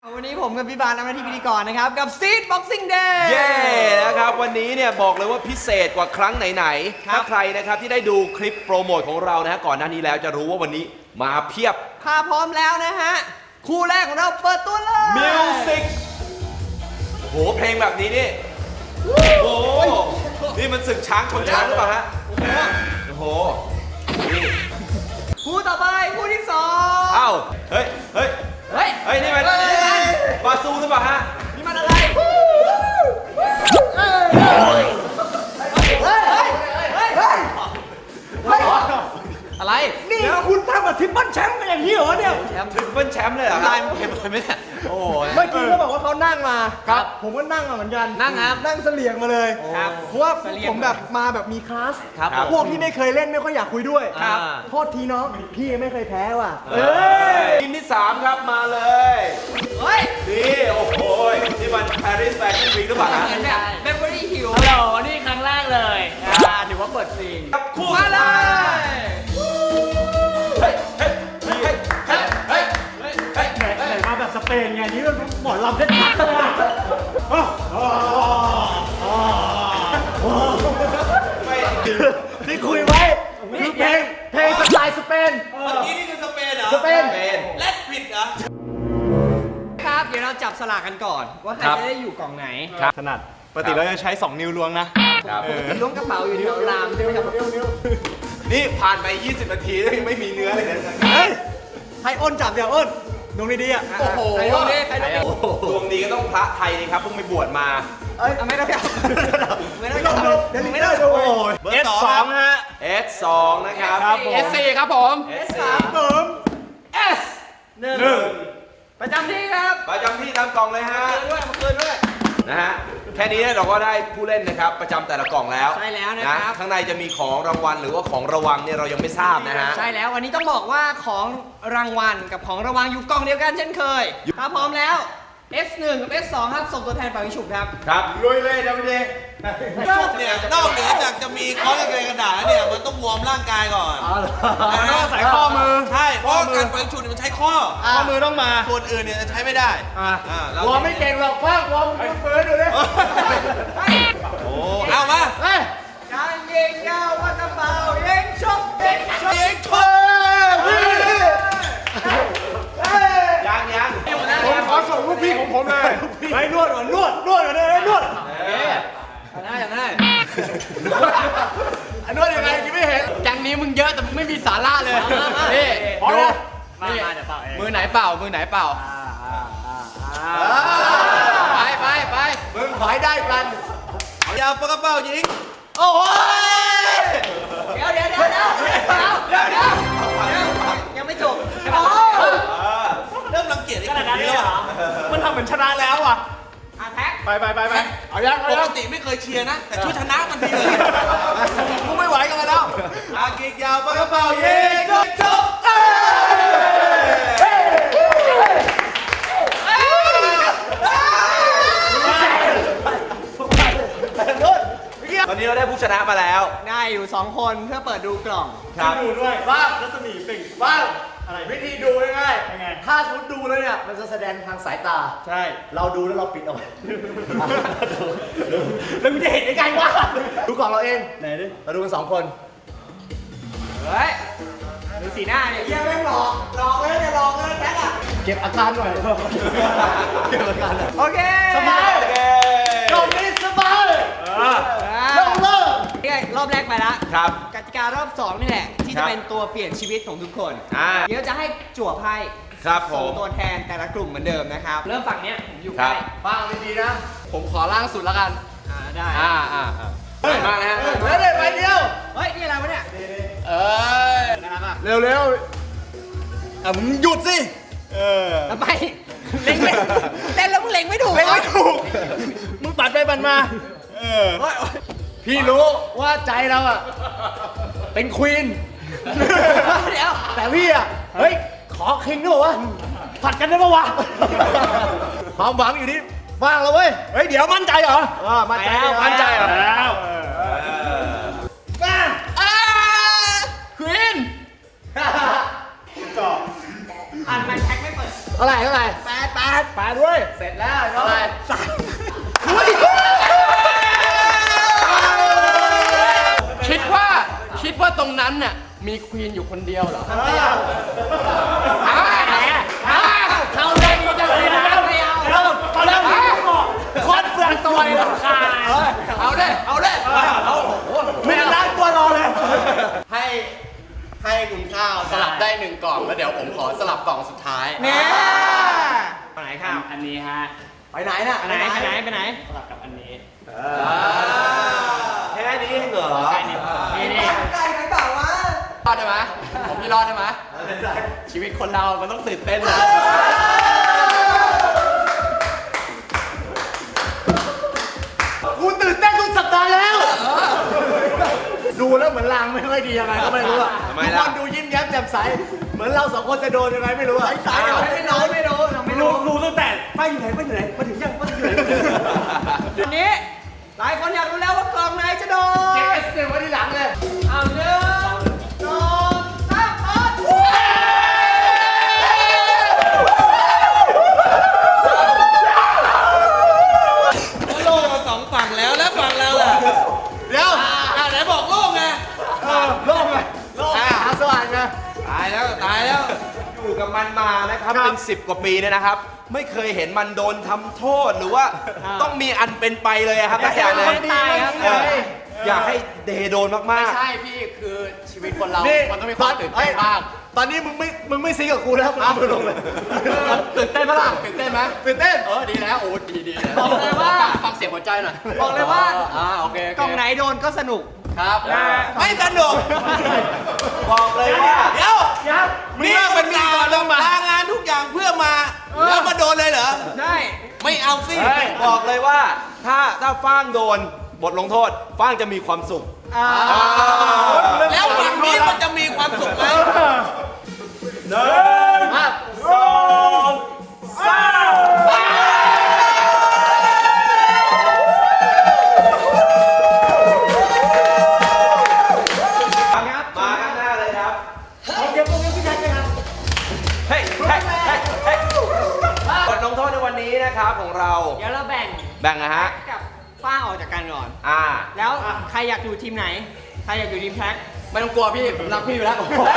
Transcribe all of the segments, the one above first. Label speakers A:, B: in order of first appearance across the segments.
A: วันนี้ผมกับพี่บาลทำหน้าที่พิธีกรนะครับกับ Street Boxing Day
B: เย้นะครับวันนี้เนี่ยบอกเลยว่าพิเศษกว่าครั้งไหนๆถ้าใครนะครับที่ได้ดูคลิปโปรโมทของเรานะฮะก่อนหน้านี้แล้วจะรู้ว่าวันนี้มาเพียบ
A: ถ้าพร้อมแล้วนะฮะคู่แรกของเราเปิดตัวเลย
B: มิวสิกโหเพลงแบบนี้นี่โอ้โหนี่มันศึกช้างชนช้างหรือเปล่าฮะโอ้โหนี่
A: คู่ต่อไปคู่ที่สอง
B: เอ้าเฮ้ยเฮ้ย
A: เฮ้ย
B: เฮ้ยนี่มันบาซูหรือเปล่าฮะ
A: นี่มันอะไรเฮ้ยอะไรนี่คุณทำกับทิปเปิลแชมป์เป็นอย่างนี้เหรอเนี่ย
B: ทริปเปิลแชมป์เลยเหรอครับ
A: เห็นไหมเนี่ยโอ้
C: เมื่อกี้เขาบอกว่าเขานั่งมา
A: ครับ
C: ผมก็นั่งมาเหมือนกัน
A: นั่งครับ
C: นั่งเสลียงมาเลย
A: ครับ
C: เพราะว่า
A: เสลี่ยง
C: ผมแบบมาแบบมีคลาส
A: ครับ
C: พวกที่ไม่เคยเล่นไม่ค่อยอยากคุยด้วย
A: ครับ
C: โทษทีน้องพี่ไม่เคยแพ้ว่ะ
B: ทีมที่ 3 ครับมาเลย
A: เฮ้ย
B: นี่โอ้โหนี่มัน Paris Fashion Week หรือเปล่าฮะ
A: เหมือนแบบเบเวอรี่ฮิล
D: ฮัลโหลนี่ครั้งแรกเลยถือว่าเปิดซีน
B: ครับคู่
A: มา
B: สุด
A: เล
B: ท้าย
A: ย
B: เฮ้ยเฮ้ยเฮ้ยเฮ้ยเฮ้ยเฮ้ยเฮ้ย
D: ไหนมาแบบสเปนไงนี่มันหมอนลำเส้นชัดเลย
B: ไม่
C: ที่คุยไว้คือเพลงสไตล์สเปน
B: เมื่อกี้นี่คือสเปนเหรอ
C: สเปน
B: แลดผิดเหรอ
A: ครับ เดี๋ยวเราจับสลากกันก่อน ว่าใคร
B: ครับ
A: จะได้อยู่กล่องไหน
C: ถนัดปกติเราจะใช้ 2 นิ้วล้วงนะ
B: ครับ
A: ล้วงกระเป๋าอยู่แถวรามใช่ไหมครับ
B: นี่ผ่านไป 20 นาทีแล้วยังไม่มีเนื้อเลยนะ
C: เฮ้ยให้อ้นจับเดี๋ยวอ้นดวงดีๆอ่ะ
A: โอ้โหใครลงดิใครลงดิ
B: ดวงดีก็ต้องพระไทยนี่ครับเพิ่งไปบวชมา
A: เอาไม่ต้องจับไม่ต้องจับ
C: เดี๋ยว
A: ไม่
C: ไม่
A: ต้
C: ได้
A: อง
C: ดู
D: S2 ฮะ
B: S2 นะครับ
D: S4 ครับผม
B: S3
A: S หนึ่งประจำที่ครับ
B: ประจำที่ตามกล่องเลยฮะ
A: ด้วยมาคืนด้วย
B: นะฮะแค่นี้เนี่ยเราก็ได้ผู้เล่นนะครับประจำแต่ละกล่องแล้ว
A: ใช่แล้วนะครับ
B: ข้างในจะมีของรางวัลหรือว่าของระวังเนี่ยเรายังไม่ทราบนะฮะ
A: ใช่แล้ววันนี้ต้องบอกว่าของรางวัลกับของรางวัลอยู่กล่องเดียวกันเช่นเคยถ้าพร้อมแล้ว S1 กับ S2 ครับส่งตัวแทนเป่ายิงฉุบครับ
B: ครับลุยเลยนะพี่เด
E: เนี่ยนอกเหนือจากจะมีคอร์สกระดาษแล้วเนี่ยมันต้องวอร์มร่างกายก่อน
C: ต้องใส่ข้อมือ
E: ใช่เพราะการไปชุดมันใช้ข้อ
C: ข้อมือต้องมา
E: ส่วนอื่นเนี่ยจะใช้ไม่ได้เรา
C: วอร์มไม่เก่งหรอกฟ้าวอร์มเปิดดูดิ
E: โอ้เอามา
C: เฮ้ย
A: การยิงยาวว่ากระเป๋ายิงฉุบยิงฉุบ
E: เองชน
B: ยัง
C: ผมขอส่งลูกพี่ของผมเลยไปนวดก่อนนวดกันเลยนวด
A: อย่างนั้น
C: นวดยังไงยังไม่เห็น
D: แก๊งนี้มึงเยอะแต่มึงไม่มีสาระเลย นี่
C: พอ
D: ดู
C: แล้ว
D: มาเดี๋ยวเป่าเองมือไหนเป่า มือไหนเป่า ไป
C: มึงขอให้ได้กัน
E: ยาวปากกระเป๋ายิง
C: โอ้ย
A: เดี๋ยวยังไม่จบ
E: เริ่มรังเกียจไอ้คนนี้แล้วอะ
C: มันทำเหมือนชนะแล้วอ่ะ
A: แท็ก
C: ไปเอายัง
E: ปกติไม่เคยเชียร์นะ แต่ช่วยชนะมันทีเลย
C: กูไม่ไหวกันแล้ว
E: อากิกยาวปากกระเป๋ายิงจบ
B: ตอนนี้เราได้ผู้ชนะมาแล้ว
A: ได้อยู่2คนเพื่อเปิดดูกล่อง
B: ครับ
C: ดูด้วยว่ารัศมีปิ่งว่าอะไรวิธีดูง่ายๆถ้าสมมติดูแล้วเนี่ยมันจะแสดงทางสายตาใช่เราดูแล้วเราปิดเอาไว้แล้วมึงจะเห็นยังไงวะดูกล่องเราเองไหนดิเราดูกัน2 คน
A: เฮ้ยดูสีหน้าเนี่ยเยี่ยมแม่งหลอกเลยเนี่ยหลอกเลยแท็กอ่ะ
C: เก็บอาการหน่อยเก็บอาการหน่อย
A: โอเค
C: สบาย
B: โอเค
C: กล่องนี้สบายเริ่ม
A: นี่ไงรอบแรกไปละ
B: ครับ
A: กติการอบ2นี่แหละ ที่
B: ครั
A: จะ
B: บ
A: เป็นตัวเปลี่ยนชีวิตของทุกคน เดี๋ยวจะให้จั่วไพ่
B: ครับผ
A: ส่ง
B: ม
A: ตัวแทนแต่ละกลุ่มเหมือนเดิมนะครับ เริ่มฝั่งเนี้ยผมอยู่
B: ค
A: ใก
B: รั
A: ล้
B: บ
C: ฟังดีๆนะ
D: ผมขอล่างสุดแล้วกัน
A: ได้
B: สวยมากนะฮะ
C: แล้วเด็ดไปเดียว
A: เฮ้ย นี่อะไรวะเนี่ย
D: เอ้ย
C: เร็วๆมึงหยุดสิ
A: ทำไมเล็งไม่เต้นแล้วมึงเล็งไม่ถูก
C: เล่นไม่ถูกมึงปัดไปปัดมาพี่รู้ว่าใจเราอ่ะเป็นควีน
A: เดี๋ยว
C: แต่พี่อ่ะเฮ้ยขอคิงด้วยวะผัดกันได้ปะวะความหวังอยู่ที่ว่างแล้วเว้ยเฮ้ยเดี๋ยวมั่นใจเหรอมั่นใจเหรอแล้ว
A: ค
C: มา
A: วีนทำไมแท็กไม่เปิด
C: เท่าไหร่เท่าไหร่แปดด้วยเสร็จแล้วเท่าไหร่
F: คิดว่าตรงนั้นน่ะมีควีนอยู่คนเดียวเหรอเขาได้มีจังเลยนะไม่เอาคนเปลืองตัวเลยราคาเอาได้ไม่ล้างตัวรอเลยให้คุณข้าวสลับได้1 กล่องแล้วเดี๋ยวผมขอสลับกล่องสุดท้าย
A: เนี่ยไหนข้าว
D: อันนี้ฮะ
C: ไปไหนน่ะ
A: ไปไหน
D: สลับกับอันนี้
B: แค่นี้เองเหรอ
D: ใช่นี่นี่
F: รอดได้ไหมผมพี่รอดได้ไหมชีวิตคนเรามันต้องตื่นเต้นนะ
C: กูตื่นเต้นทุกสัปดาห์แล้ว ดูแล้วเหมือนลางไม่ค่อยดียังไงก็ไม่รู้อะ
B: ทำไม
C: ทุก
B: ล่ะ
C: คนดูยิ้มแย้มแจ่มใสเหมือนเรา2 คนจะโดนยังไงไม่รู้อะ
A: ไม่รู้
D: รู้ตั้งแต่ป้าอยู่ไหนมาถึงยังป้าอยู่ไหน
A: วันนี้หลายคนอยากรู้แล้วว่ากล่องไหนจะโดน
C: เก็บ S1 ไว้ที่หลังเลย
A: เอา1 2 3เปิด
E: โล่งมาสองฝั่งแล้วแล้วฝั่งเราล่ะ
C: เดี๋ยว
E: ไหนบอกโล่งไง
C: โล่งเลยโล่งหาสว่างไง
E: ตายแล้ว
B: อยู่กับมันมานะครับเป็น10 กว่าปีเนี่ยนะครับ ไม่เคยเห็นมันโดนทำโทษหรือว่าต้องมีอันเป็นไปเลยอะครับนักอย่างเลย
A: ตายครับ
B: อยากให้เดโดน
F: ไม่
B: มาก
F: ใช่พี่คือชีวิตคนเรา
C: นี่
F: มันต้องมีความตื่นเต้นบ้าง
C: ตอนนี้มึงไม่ซีกับกูแล้วมึงเอามือลงเลย
F: ตื่นเต้นไหมล่ะตื่นเต้นไหม
C: ตื่นเต้น
F: ดีแล้วโอ้ดี
A: บอกเลยว่า
F: ฟังเสียงหัวใจหน่อย
A: บอกเลยว่า
F: โอเค
A: กล่องไหนโดนก็สนุก
F: ครับ
E: ไม่สนุก
B: ๆ บอกเลยว่า
E: เดี๋ยวนี่มันมีก่อนลางานทุกอย่างเพื่อมา แล้วมาโดนเลยเหรอ
A: ใช่
E: ไม่เอาสิ
B: บอกเลยว่าถ้าฟ้างโดนบทลงโทษฟ้างจะมีความสุข
E: แล้วฝั่งนี้มันจะมีความสุขไหม
B: มาข้างหน้าเลยครับ
D: เดี๋ยวพวกนี้พี่แท็กไหมครับ
B: เฮ้ยบทลงโทษในวันนี้นะครับของเรา
A: เดี๋ยวเราแบ่ง
B: แบ่งนะฮะ
A: กับฟ้างออกจากกันก่อน แล้วใครอยากอยู่ทีมไหน ใครอยากอยู่ทีมแท็ก
F: ไม่ต้องกลัวพี่ผมรักพี่อยู่แล้ว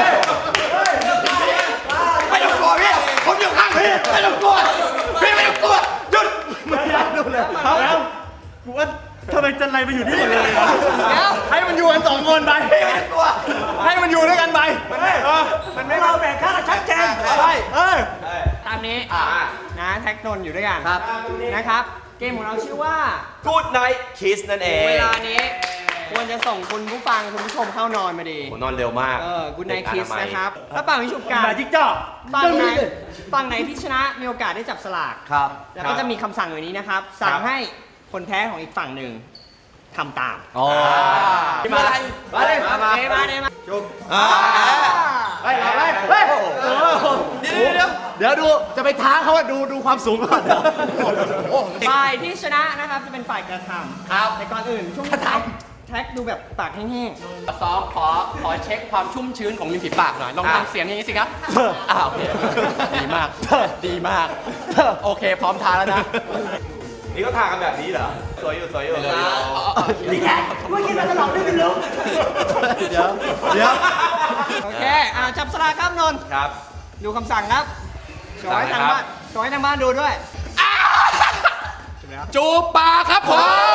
C: ไม่ต้องกลัวพี่ผมอยู่ข้างพี่ไม่ต้องกลัวพี่ไม่ต้องกลัวหยุดไม่อยากดูเลย
D: แล้วกูว่าทำไมจันไรมาอยู่นี่หมดเลยอะ
A: เดี๋ยว
C: ให้มันอยู่กัน2 คนไปพี่ไม่ต้องกลัวให้มันอยู่ด้วยกันไปมันไม่
D: เราแบ่งค่าชัดเจน
C: ใช่เออ
A: ตามนี้นะแท็กนนท์อยู่ด้วยกันนะครับ เกมของเราชื่อว่า
B: Good Night Kiss นั่นเอง
A: เวลานี้ควรจะส่งคุณผู้ฟังคุณผู้ชมเข้านอนมาดี
B: โหนอนเร็วมาก
A: Good Night Kiss นะครับถ้าเป่าวิชุบกัน
D: มาจิ๊กจ้อ
A: ฝั่งไหนที่ชนะมีโอกาสได้จับสลาก
C: ครับ
A: แล้วก็จะมีคำสั่งอยู่นี้นะครับ สั่งให้คนแพ้ของอีกฝั่งหนึ่งทำตาม
C: อ๋อ
A: มาเลย
C: มาเลย
A: มาจุบ
C: เฮ้ยเอาเลยเฮ้ยเดี๋ยวดูจะไปท้าเขาว่าดูความสูงก่อน
A: ฝ่ายที่ชนะนะครับจะเป็นฝ่ายกระทำครับแต่ก่อนอื่นช่วงแท็กดูแบบปากแห้ง
F: ซ้อมขอเช็คความชุ่มชื้นของริมฝีปากหน่อยลองทำเสียงอย่างนี้สิครับโอเคดีมากโอเคพร้อมทานแล้วนะ
B: นี่ก็ทากันแบบนี้เหรอ สวยอยู่
D: นี่แกเมื่อกี้เราจะหลอกได้ไม่รู้
C: เดี๋ยว
A: ๆโอเคจับสลากครับนนท์
B: ครับ
A: ดูคำสั่งครับโชว์ให้ทางบ้านโชว์ให้ทางบ้านดูด้วย
F: จูบปากครับผม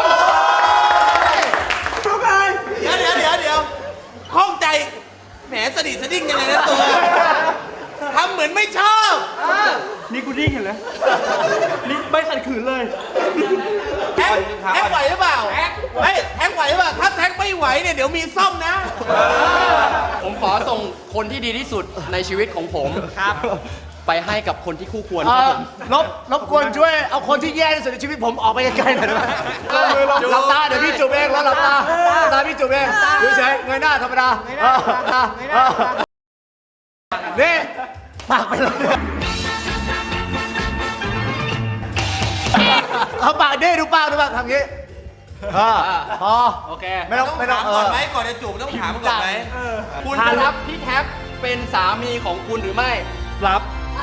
E: เดี๋ยวข้องใจ แหมสดิสดิ้งยังไงนะตัวทำเหมือนไม่ชอบ
D: นี่กูดิ้งเห็นเลยนี่ไม่ขัดขืนเลย
E: แท็กไหวหรือเปล่าเฮ้ยแท็กไหวหรือเปล่าถ้าแท็กไม่ไหวเนี่ยเดี๋ยวมีซ่อมนะ
F: ผมขอส่งคนที่ดีที่สุดในชีวิตของผม
A: ครับ
F: ไปให้กับคนที่คู่ควรครับผม
C: รบกวนช่วยเอาคนที่แย่ที่สุดในชีวิตผมออกไปไกลๆหน่อยได้ไหมหลับตาเดี๋ยวพี่จูบเองแล้วหลับตาพี่จูบเองดูเฉยเงยหน้าธรรมดานี่ปากไปเลยเอาปากดิดูปากทำงี้พอ
F: โอเค
C: ไม่ต้อง
E: ถามก่อนไหมก่อนจะจูบต้องถามก่อนไหม
F: คุณจะรับพี่แท็บเป็นสามีของคุณหรือไม่
D: รับ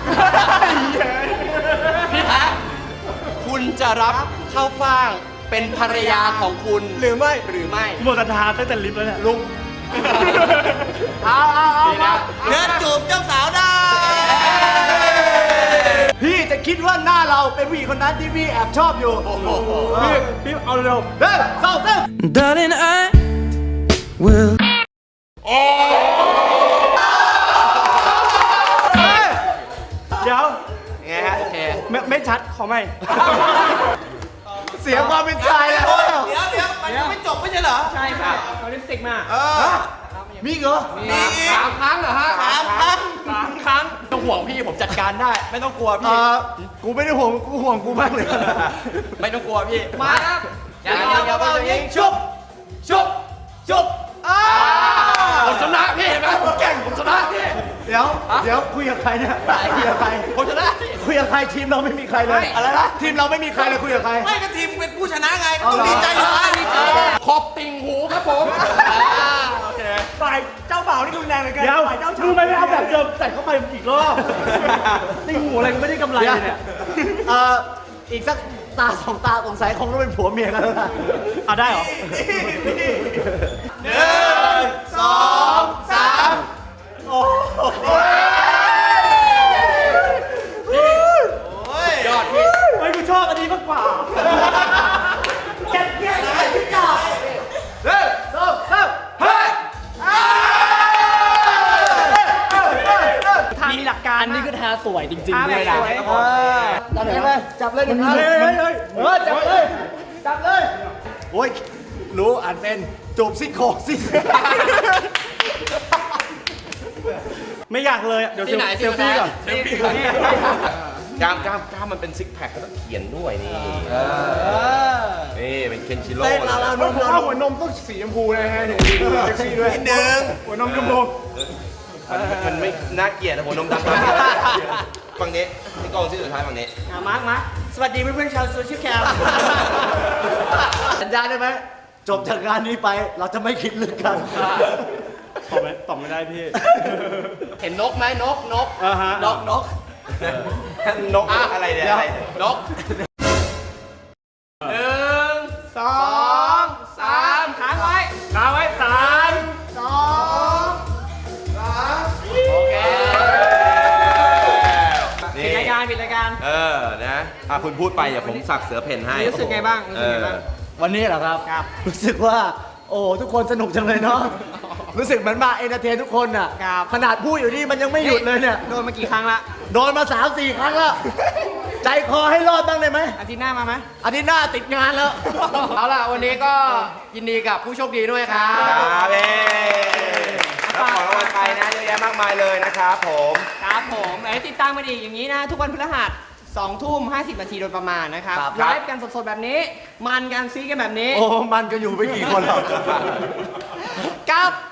F: จะรับเข้าฟ่างเป็นภรรยาของคุณหรือไม่หรือไม่
D: หมดศรัทธาตั้งแต่ลิฟต์แล้วเนี่ยลุง
C: เอามา
E: เดินจูบเจ้าสาวได้
C: พี่จะคิดว่าหน้าเราเป็นผู้หญิงคนนั้นที่พี่แอบชอบอยู่
D: พี่เอาเร็ว
C: เฮ้ยสองสาม
G: Darling, I will.
D: เดี๋ยว
B: ไงฮะ
F: โอเค
D: ไม่ชัดขอไม่
C: เสียความเป็นชายแล้ว
E: เดี๋ยวมันยังไม่จบไม่ใช่เหรอ
A: ใช่ค่ะเอาลิปสติกมา
C: มีเหรอ
E: มีอีก
A: 3 ครั้งเหรอฮะ
E: 3 ครั้ง
A: 3 ครั้ง
F: ต้องห่วงพี่ผมจัดการได้ ไม่ต้องกลัวพี่
C: กูไม่ได้ห่วงกูห่วงกูมากเลย
F: ไม่ต้องกลัวพี่
A: มาครับ
F: อย่าเบาๆยิงชุบชุบชุบผมชนะพี่เห็นไหมผมเก่งผมชนะพี่
C: เดี๋ยวคุยกับใครเนี่ยคุยกับใคร
F: ผมชนะ
C: คุยกับใครทีมเราไม่มีใครเลยอะไรนะทีมเราไม่มีใครเลยคุยกับใคร
E: ไม่ก็ทีมเป็นผู้ชนะไงก็ต้องดีใจอยู่แล้วดีใจ
F: ขอบติ่งหูครับผม โอเค
D: ฝ่ายเจ้าบ่าวนี่รุนแรงเลยกันเดี๋ยวมึงไม่เอาแบบเดิมใส่เข้าไปอีกรอบติ่งหูอะไรก็ไม่ได้กำไรเลยเนี่ย
C: อีกสักตาสองตาสงสัยคงต้องเป็นผัวเมียกันแล้วนะ
D: เอาได้เหรอ
F: ยอดพี่
D: เฮ้ยกูชอบอันนี้มากกว่า
A: ทางมีหลักการ
D: อันนี้ก็ทาสวยจริง
A: ทา
D: ๆ
A: แบ
D: เล
A: บ
D: ยนะ
A: สวย
C: จับเลยจับเลยหนึ่งอันจับเลยจับเลยโอ้ยรู้อ่านเป็นจูบซี่โครงซี่
D: ไม่อยากเลยอะเดี๋ยว
F: ที่ไหน
D: เซลฟี่ก่อน
F: เซลฟี่ก่อน
B: กล้ามมันเป็นซิกแพคก็ต้องเขียนด้วยนี่นี่เป็นเคนชิโร่
C: เต้น
B: นะ
C: เราหัวนมต้องสีชมพูนะฮะถึงดูเซ็กซี่ด้วย
E: นิดนึง
C: หัวนมชมพู
B: มันไม่น่าเกลียดนะหัวนมดำฝั่งนี้ที่กองชื่อสุดท้ายฝั่งนี้
A: มาร์คสวัสดีเพื่อนๆชาวโซเชียลแคม
C: สัญญาได้ไหมจบจากงานนี้ไปเราจะไม่คิดเรื่องกัน
D: ตอบไม่ได้พี่
F: เห็นนกไหมนก
D: อ่าฮะ
F: นก
B: นกอะไรเนี่ยอะไรเนี่ย
F: นก
A: 2 3ค้างไว้
D: ค้างไว้3
F: โอเค
B: นี่
A: ปิดรายการ
B: นะคุณพูดไปเดี๋ยวผมสักเสือเพ่นให้
A: รู้สึกไงบ้างรู้สึกไงบ้าง
C: วันนี้เหรอครับรู้สึกว่า โอ้ทุกคนสนุกจังเลยเนาะรู้สึกเหมือนมาเอนเตอร์เทนทุกคนอ่ะ
A: ครับ
C: ขนาดพูดอยู่นี่มันยังไม่หยุดเลยเนี่ย
A: โดนมากี่ครั้งละ
C: โดนมา 3-4 ครั้งแล้ว ใจคอให้รอดบ้างได้ไหม
A: อาทิตย์หน้ามาไหม
C: อาทิตย์หน้าติดงานแล้ว
F: เอาล่ะ วันนี้ก็ยินดีกับผู้โชคดีด้วยครับ
B: ครับรับของรางวัลไปนะเยอะแยะมากมายเลยนะครับผม
A: ครับผมเดี๋ยวติดตามมาดีอย่างนี้นะ ทุกวันพฤหัส2 ทุ่ม 50 นาทีโดยประมาณนะครับ
C: ครับ
A: ไลฟ์กันสดๆแบบนี้ มันกันซีกันแบบนี้
C: โอ้มันก็อยู่ไม่กี่คนหรอก
A: กับ